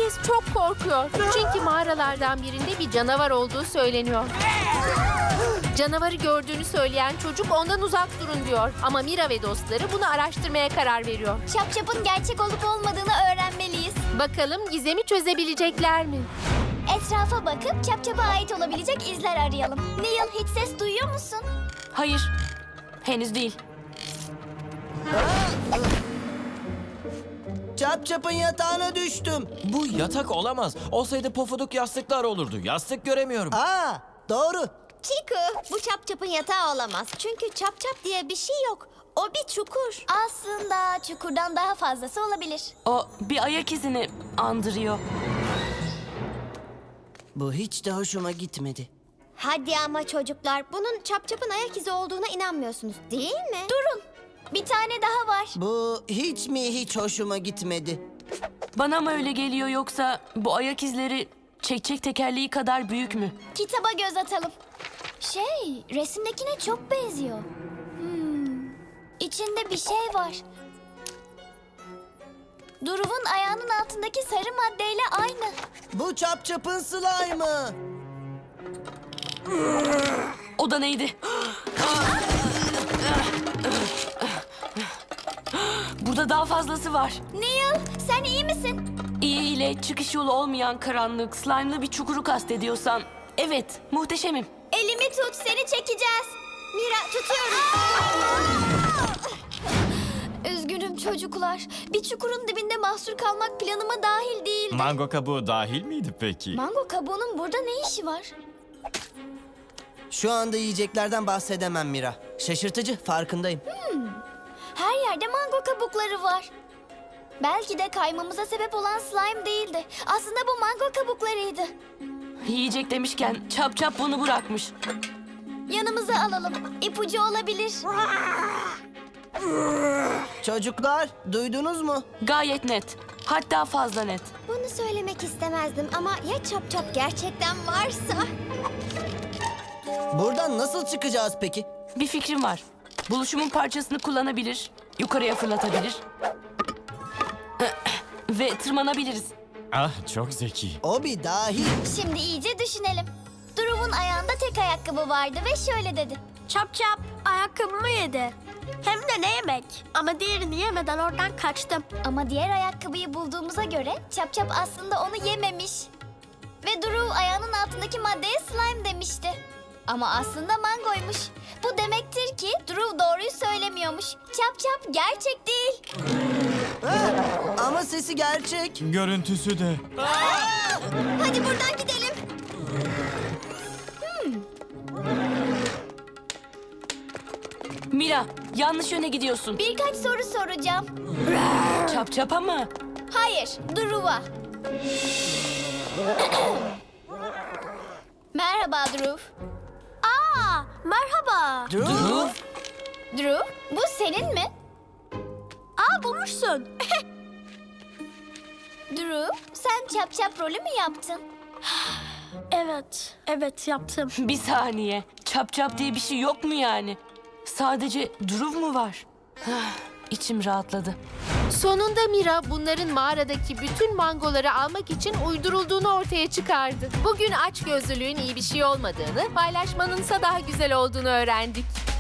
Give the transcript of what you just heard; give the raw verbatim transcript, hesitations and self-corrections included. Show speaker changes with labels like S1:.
S1: Herkes çok korkuyor. Çünkü mağaralardan birinde bir canavar olduğu söyleniyor. Canavarı gördüğünü söyleyen çocuk ondan uzak durun diyor. Ama Mira ve dostları bunu araştırmaya karar veriyor.
S2: Çapçapın gerçek olup olmadığını öğrenmeliyiz.
S1: Bakalım gizemi çözebilecekler mi?
S2: Etrafa bakıp Çapçap'a ait olabilecek izler arayalım. Neil, hiç ses duyuyor musun?
S3: Hayır. Henüz değil.
S4: Çap çapın yatağına düştüm.
S5: Bu yatak olamaz. Olsaydı pofuduk yastıklar olurdu. Yastık göremiyorum.
S4: Aa, doğru.
S2: Chiku, bu Çapçap'ın yatağı olamaz. Çünkü Çapçap diye bir şey yok. O bir çukur. Aslında çukurdan daha fazlası olabilir.
S3: O bir ayak izini andırıyor.
S4: Bu hiç de hoşuma gitmedi.
S2: Hadi ama çocuklar, bunun Çapçap'ın ayak izi olduğuna inanmıyorsunuz, değil mi? Durun, bir tane daha var.
S4: Bu hiç mi hiç hoşuma gitmedi.
S3: Bana mı öyle geliyor yoksa bu ayak izleri çekçek tekerleği kadar büyük mü?
S2: Kitaba göz atalım. Şey, resimdekine çok benziyor. Hmm, içinde bir şey var. Duruv'un ayağının altındaki sarı maddeyle aynı.
S4: Bu çap çapın slime'ı.
S3: O da neydi? Burada daha fazlası var.
S2: Neil, sen iyi misin?
S3: İyi ile çıkış yolu olmayan karanlık, slime'lı bir çukuru kastediyorsan. Evet, muhteşemim.
S2: Elimi tut, seni çekeceğiz. Mira, tutuyorum. Üzgünüm çocuklar. Bir çukurun dibinde mahsur kalmak planıma dahil değildi.
S5: Mango kabuğu dahil miydi peki?
S2: Mango kabuğunun burada ne işi var?
S4: Şu anda yiyeceklerden bahsedemem Mira. Şaşırtıcı, farkındayım.
S2: Her yerde mango kabukları var. Belki de kaymamıza sebep olan slime değildi. Aslında bu mango kabuklarıydı.
S3: Yiyecek demişken çap çap bunu bırakmış.
S2: Yanımıza alalım. İpucu olabilir.
S4: Çocuklar, duydunuz mu?
S3: Gayet net. Hatta fazla net.
S2: Bunu söylemek istemezdim ama ya Çap Çap gerçekten varsa?
S4: Buradan nasıl çıkacağız peki?
S3: Bir fikrim var. Buluşumun parçasını kullanabilir, yukarıya fırlatabilir ve tırmanabiliriz.
S5: Ah çok zeki.
S4: O bir dahi.
S2: Şimdi iyice düşünelim. Duruv'un ayağında tek ayakkabı vardı ve şöyle dedi.
S6: Çap çap ayakkabımı yedi. Hem de ne yemek. Ama diğerini yemeden oradan kaçtım.
S2: Ama diğer ayakkabıyı bulduğumuza göre Çap Çap aslında onu yememiş. Ve Duruv ayağının altındaki maddeye slime demişti. Ama aslında mangoymuş. Bu demektir ki Duruv doğruyu söylemiyormuş. Çap Çap gerçek değil.
S4: Ha, ama sesi gerçek.
S5: Görüntüsü de.
S2: Hadi buradan gidelim.
S3: Mira, yanlış yöne gidiyorsun.
S2: Birkaç soru soracağım.
S3: Çap çapa mı?
S2: Hayır, Duruv'a. Merhaba Duruv.
S6: Aa, merhaba.
S4: Drew.
S2: Duruv, bu senin mi?
S6: Aa, bulmuşsun.
S2: Duruv, sen Çap Çap rolü mü yaptın?
S6: Evet, evet yaptım.
S3: Bir saniye. Çap çap diye bir şey yok mu yani? Sadece Duruv mu var? İçim rahatladı.
S1: Sonunda Mira bunların mağaradaki bütün mangoları almak için uydurulduğunu ortaya çıkardı. Bugün açgözlülüğün iyi bir şey olmadığını, paylaşmanınsa daha güzel olduğunu öğrendik.